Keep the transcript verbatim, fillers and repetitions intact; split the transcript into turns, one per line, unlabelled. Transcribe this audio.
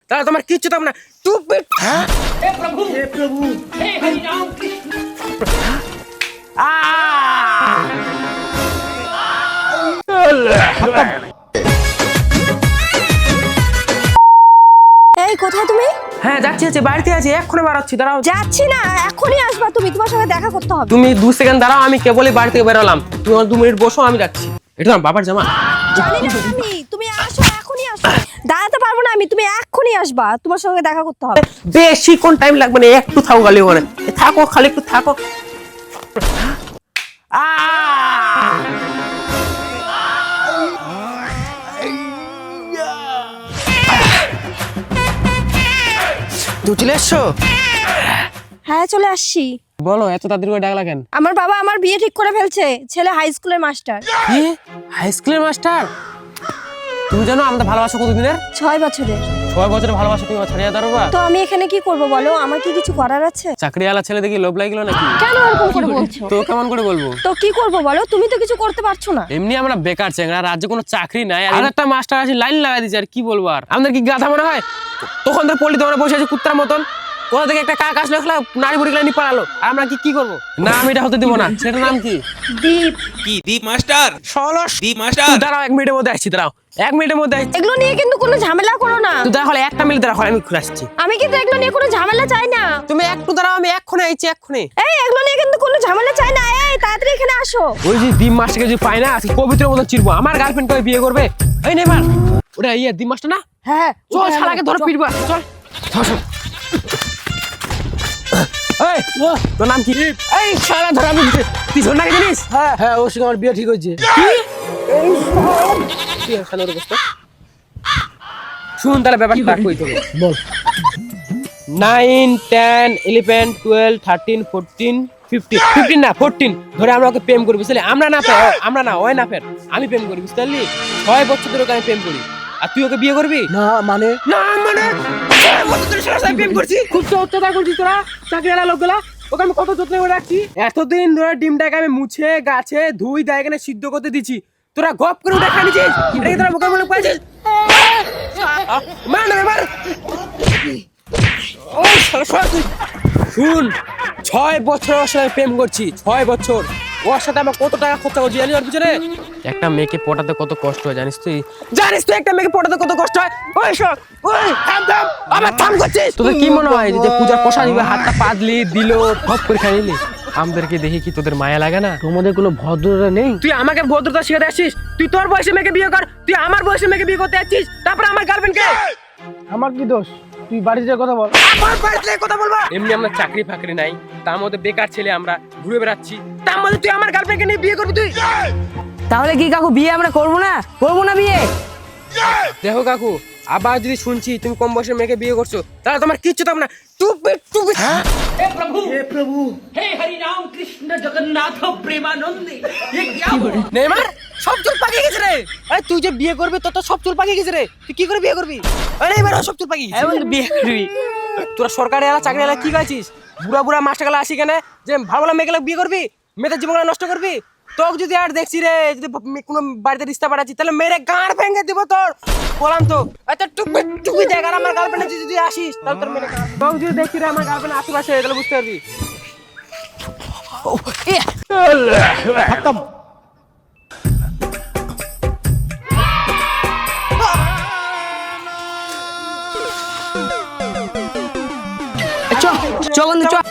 তাহলে তোমার কিচ্ছু থাকবে না। Stupid!
हे प्रभु हे प्रभु हे हरि राम कृष्ण
এই কোথায় তুমি?
হ্যাঁ যাচ্ছি যাচ্ছি বাড়িতে আছি, এক্ষুনি বাড়াচ্ছি, দাঁড়াও।
যাচ্ছি না, এখনই আসবা তুমি, তোমার সঙ্গে দেখা করতে হবে।
তুমি দু সেকেন্ড দাঁড়াও, আমি কেবলই বাড়ি থেকে বেরোলাম, তুমি আমার দু মিনিট বসো, আমি যাচ্ছি। এটা আমার বাবার জামা।
জানি না আমি, তুমি আসো, এখনই আসো। দাঁড়াতে পারবো না আমি, তুমি এখনই আসবা, তোমার সঙ্গে দেখা করতে হবে।
বেশি কোন টাইম লাগবে না, একটু থাকো খালি ওখানে, থাকো খালি একটু থাকো। তুই চলে এসছো?
হ্যাঁ চলে আসছি।
বলো, এত তাড়াতাড়ি করে ডাকলা কেন?
আমার বাবা আমার বিয়ে ঠিক করে ফেলছে, ছেলে হাই স্কুলের মাস্টার।
কি হাই স্কুলের মাস্টার? তুমি জানো আমাদের ভালোবাসা কতদিনের?
ছয় বছরের।
ছয় বছরের ভালোবাসা তুমি ছাড়িয়ে দাঁড়াবা?
তো আমি এখানে কি করব বলো, আমার কি কিছু করার আছে?
চাকরিওয়ালা ছেলে দেখি লোভ লাগলো নাকি?
কেন এরকম করে বলছো?
তো কেমন করে বলবো?
তো কি করব বলো, তুমি তো কিছু করতে পারছো না।
এমনি আমরা বেকার চেংড়া, রাজ্যে কোনো চাকরি নাই, আর একটা মাস্টার আছে লাইন লাগাই দিচ্ছে, আর কি বলবো। আর আমাদের কি গাধা মনে হয়? তখন তো পল্লী দোকানে বসে আছে কুত্তার মতন, কোথা থেকে একটা কাক আসলো, খেলা নারী বুড়ি নিয়ে পালালো, আর আমরা কি কি করবো? না আমি এটা হতে দিব না। সেটার নাম কি?
দীপ।
কি দীপ মাস্টার?
ষোলশ
দীপ মাস্টার
দাঁড়াও, এক মিনিটের মধ্যে আসছি, দাঁড়াও এক মিনিটের মধ্যে আসছি।
এগুলো নিয়ে কিন্তু কোনো ঝামেলা করো না।
তুই দাঁড়াও, একটা মিনিট দাঁড়াও, আমি ঘুরে আসছি।
আমি কিন্তু এগুলো নিয়ে কোনো ঝামেলা চাই না।
তুমি একটু দাঁড়াও, আমি এক্ষুনি আইছি, এক্ষুনি।
এই এগুলো নিয়ে কিন্তু কোনো ঝামেলা চাই না, এই তাড়াতাড়ি এখানে আসো।
ওই যে ডিম মাস্টারকে যদি পাই না, আজকে পবিত্র মতো চিরবো। আমার গার্লফ্রেন্ড কবে বিয়ে করবে? এই নেবার ওটা ইয়ে ডিম মাস্টার না?
হ্যাঁ
চল শালাকে ধরে পিটবো, চল চল চল। এই তোর নাম কি? এই শালা ধরে আমি পিছন নাকি জানিস?
হ্যাঁ হ্যাঁ ওর সঙ্গে আমার বিয়ে ঠিক হয়েছে।
কি শালা ওর অবস্থা? শুন তাহলে ব্যাপারটা কই তোকে
বল।
Nine ten eleven twelve thirteen fourteen fifteen fifteen না ফোরটিন ধরে আমরা ওকে প্রেম করি, বুঝলি? আমরা না ফের আমরা না ওই না ফের আমি প্রেম করি, বুঝতে পারলি? ছয় বছর ধরে ওকে আমি প্রেম করি, আর তুই ওকে বিয়ে করবি
না মানে
না? মানে ছয় বছর ধরে সারা সাথে প্রেম করছি, খুব তো অত্যাচার করছিস তোরা চাকরিওয়ালা লোকগুলা। ওকে আমি কত যত্ন করে রাখছি, এতদিন ধরে ডিমটাকে আমি মুছে গাছে ধুই দায় এখানে সিদ্ধ করতে দিচ্ছি, তোরা গপ করে উঠে খাই নিছিস। এটাকে তোরা মুখে মুখে পাইছিস? মার না মার। ও শালা শালা তুই শুন, ছয় বছর ওর সাথে প্রেম করছি, ছয় বছর ওর সাথে আমার কত টাকা খরচা করছি জানিস ওর পিছনে? একটা মেয়েকে পটাতে কত কষ্ট হয় জানিস তুই? জানিস তুই একটা মেয়েকে পটাতে কত কষ্ট হয়? ওই সব ওই থাম থাম, আবার থাম করছিস। তোদের কি মনে হয় যে পূজার পোষা দিবে, হাতটা পাদলি দিল ভপ করে খাই নিলি? আমাদেরকে দেখি কি তোদের মায়া লাগে না?
তোমাদের কোনো ভদ্রতা নেই?
তুই আমাকে ভদ্রতা শিখাতে আসছিস? তুই তোর বয়সে মেয়েকে বিয়ে কর, তুই আমার বয়সে মেয়েকে বিয়ে করতে আসছিস, তারপর আমার গার্লফ্রেন্ডকে।
আমার কি দোষ? তুই বাড়িতে যা কথা বল।
আমার বাড়িতে কথা বলবো? এমনি আমরা চাকরি ফাকরি নাই, তার মধ্যে বেকার ছেলে, আমরা ঘুরে বেড়াচ্ছি, তার মধ্যে তুই আমার গার্লফ্রেন্ডকে নিয়ে বিয়ে করবি? তুই
তাহলে কি কাকু বিয়ে আমরা করবো না? করবো না বিয়ে?
দেখো কাকু, আবার যদি শুনছি তুমি কম বয়সের মেয়েকে বিয়ে করছো, তাহলে তোমার কিচ্ছু থাকবে না। টুপি টুপি
हे प्रभु हे प्रभु हे हरि राम कृष्ण जगन्नाथ प्रेमानंदी ये क्या हुआ?
নেমার সব চুল পাকিয়ে গেছে রে। আরে তুই যে বিয়ে করবি তোর তো সব চুল পাকিয়ে গেছে রে, তুই কি করে বিয়ে করবি? আরে এবার সব চুল পাকিয়ে গেছে,
বন্ধু বিয়ে করবি?
তোরা সরকারি আলা চাকরি আলা কি গাইছিস? বুড়া বুড়া মাস্টারগুলো আসি কেন যে ভালো ভালো মেয়েগুলো বিয়ে করবি, মেয়েদের জীবনটা নষ্ট করবি? তোকে যদি আর দেখছি রে, যদি কোনো বাড়িতে রিস্তা পাঠাচ্ছি, তাহলে মেরে গাঁড় ভেঙে দিব তোর, বললাম তো। আচ্ছা টুপি টুপি দেখ, আর আমার গার্লফ্রেন্ড যদি আসিস তাহলে তোর মেরে তোকে যদি দেখছি রে আমার গার্লফ্রেন্ড আশেপাশে, তাহলে বুঝতে পারবি।
চ চ বন্ধু চ।